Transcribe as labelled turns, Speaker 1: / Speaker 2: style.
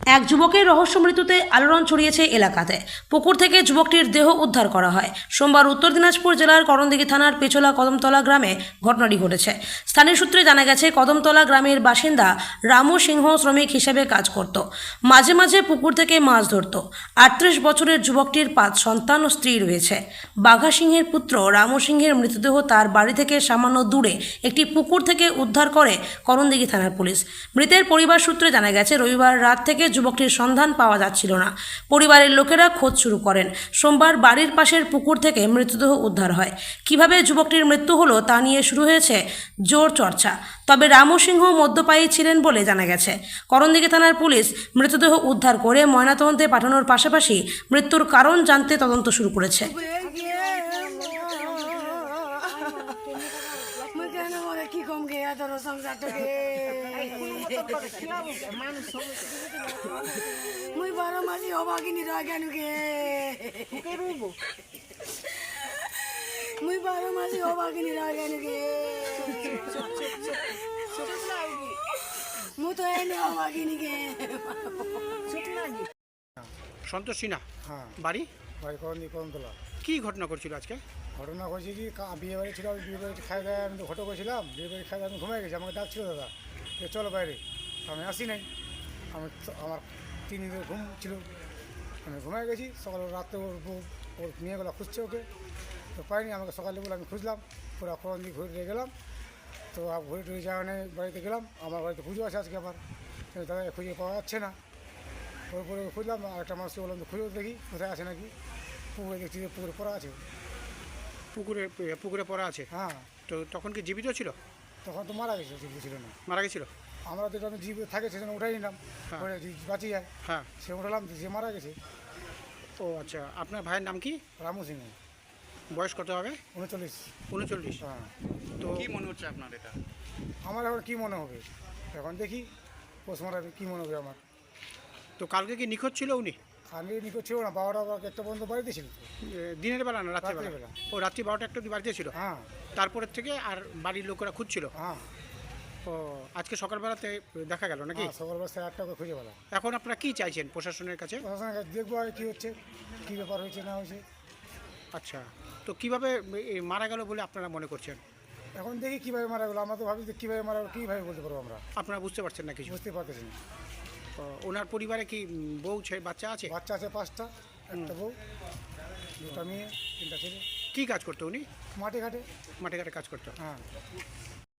Speaker 1: এক যুবকের রহস্য মৃত্যুতে আলোড়ন ছড়িয়েছে এলাকাতে। পুকুর থেকে যুবকটির দেহ উদ্ধার করা হয়। সোমবার উত্তর দিনাজপুর জেলার করণদিঘি থানার পেছলা কদমতলা গ্রামে ঘটনাটি ঘটেছে। স্থানীয় সূত্রে জানা গেছে, কদমতলা গ্রামের বাসিন্দা রামু সিংহ শ্রমিক হিসেবে কাজ করত। মাঝে মাঝে পুকুর থেকে মাছ ধরত। 38 বছরের যুবকটির 5 সন্তান ও স্ত্রী রয়েছে। বাঘা সিংহের পুত্র রামু সিংহের মৃতদেহ তার বাড়ি থেকে সামান্য দূরে একটি পুকুর থেকে উদ্ধার করে করণদিঘি থানার পুলিশ। মৃতের পরিবার সূত্রে জানা গেছে, রবিবার রাত থেকে যুবকটির সন্ধান পাওয়া যাচ্ছিল না। পরিবারের লোকেরা খোঁজ শুরু করেন। সোমবার বাড়ির পাশের পুকুর থেকে মৃতদেহ উদ্ধার হয়। কিভাবে যুবকটির মৃত্যু হলো তা নিয়ে শুরু হয়েছে জোর চর্চা। তবে রামু সিংহ মদ্যপায়ী ছিলেন বলে জানা গেছে। করণদিঘি থানার পুলিশ মৃতদেহ উদ্ধার করে ময়নাতদন্তে পাঠানোর পাশাপাশি মৃত্যুর কারণ জানতে তদন্ত শুরু করেছে।
Speaker 2: মুই 12 মাসি অবাগিনী রাগানু গে মুই 12 মাসি অবাগিনী রাগানু গে মু তো এনে অবাগিনী গে
Speaker 3: সন্তোষ সিনহা।
Speaker 4: হ্যাঁ,
Speaker 3: বাড়ি
Speaker 4: বাড়ি কদমতলা।
Speaker 3: কি ঘটনা করছিল আজকে?
Speaker 4: ঘটনা করছি কি, বিয়ে বাড়ি ছিল, বিয়ে বাড়ি খাই দায় আমি তো ফটো করেছিলাম। বিয়ে বাড়ি খাই আমি ঘুমাই গেছি, আমাকে ডাকছিল দাদা যে চলো বাইরে। আমি আসি নাই, আমার 3 দিনের ঘুম ছিল, আমি ঘুমাই গেছি। সকালে রাত্রে ওর মেয়েগুলো খুঁজছে ওকে, তো পাইনি। আমাকে সকালে বলে আমি খুঁজলাম, পুরো করণদিঘি ঘুরে গেলাম। তো ঘুরে টুরে যাওয়া নেই, বাড়িতে গেলাম। আমার বাড়িতে পুজো আছে আজকে আবার, দাদা খুঁজে পাওয়া যাচ্ছে না। পরে খুঁজলাম, আরেকটা মানুষকে বললাম তো খুঁজে দেখি কোথায় আছে নাকি। পুকুরে দেখছি যে পুকুরে পড়া আছে।
Speaker 3: পুকুরে পড়া আছে।
Speaker 4: হ্যাঁ,
Speaker 3: তো তখন কি জীবিত ছিল?
Speaker 4: তখন তো মারা গেছে, জীবিত ছিল না।
Speaker 3: মারা গেছিল?
Speaker 4: আমরা তো আমি জীবিত থাকে সেজন্য উঠাই নিলাম,
Speaker 3: হ্যাঁ।
Speaker 4: পরে বাঁচি যায়
Speaker 3: হ্যাঁ।
Speaker 4: সে উঠালাম, যে মারা গেছে।
Speaker 3: ও আচ্ছা, আপনার ভাইয়ের নাম কি?
Speaker 4: রামু সিং,
Speaker 3: বয়স কত হবে?
Speaker 4: 39।
Speaker 3: 39।
Speaker 4: হ্যাঁ,
Speaker 3: তো
Speaker 5: কি মনে হচ্ছে আপনার এটা?
Speaker 4: আমার এখন কী মনে হবে, এখন দেখি পোস্টমর্টমে কী মনে হবে আমার।
Speaker 3: তো কালকে কি নিখোঁজ ছিল উনি?
Speaker 4: আমি নিখোঁজ ছিল না, 12টা বা 1টা পর্যন্ত বাড়িতে ছিল তো।
Speaker 3: দিনের বেলা না রাত্রিবেলা?
Speaker 4: রাত্রিবেলা।
Speaker 3: ও রাত্রি 12টা 1টা অবধি বাড়িতে ছিল?
Speaker 4: হ্যাঁ
Speaker 3: তারপরের থেকে আর বাড়ির লোকেরা খুঁজছিল?
Speaker 4: হ্যাঁ
Speaker 3: ও আজকে সকালবেলাতে দেখা গেল নাকি?
Speaker 4: হ্যাঁ, সকালবেলা 8টা করে খুঁজে পেলাম।
Speaker 3: এখন আপনারা কি চাইছেন প্রশাসনের কাছে?
Speaker 4: প্রশাসনের কাছে দেখবো আর কী হচ্ছে, কী ব্যাপার হয়েছে না হয়েছে।
Speaker 3: আচ্ছা, তো কিভাবে মারা গেল বলে আপনারা মনে করছেন?
Speaker 4: এখন দেখি কীভাবে মারা গেলো। আমরা তো ভাবি যে কীভাবে মারা গেলো, কীভাবে বলতে পারবো আমরা,
Speaker 3: আপনারা বুঝতে পারছেন না কিছু?
Speaker 4: বুঝতে পারতেছি না।
Speaker 3: ওনার পরিবারে কি বউ ছেলে বাচ্চা আছে?
Speaker 4: বাচ্চা আছে 5টা, একটা বউ, 2টা মেয়ে, 3টা ছেলে।
Speaker 3: কি কাজ করতো উনি?
Speaker 4: মাঠে ঘাটে।
Speaker 3: মাঠে ঘাটে কাজ করতো।
Speaker 4: হ্যাঁ।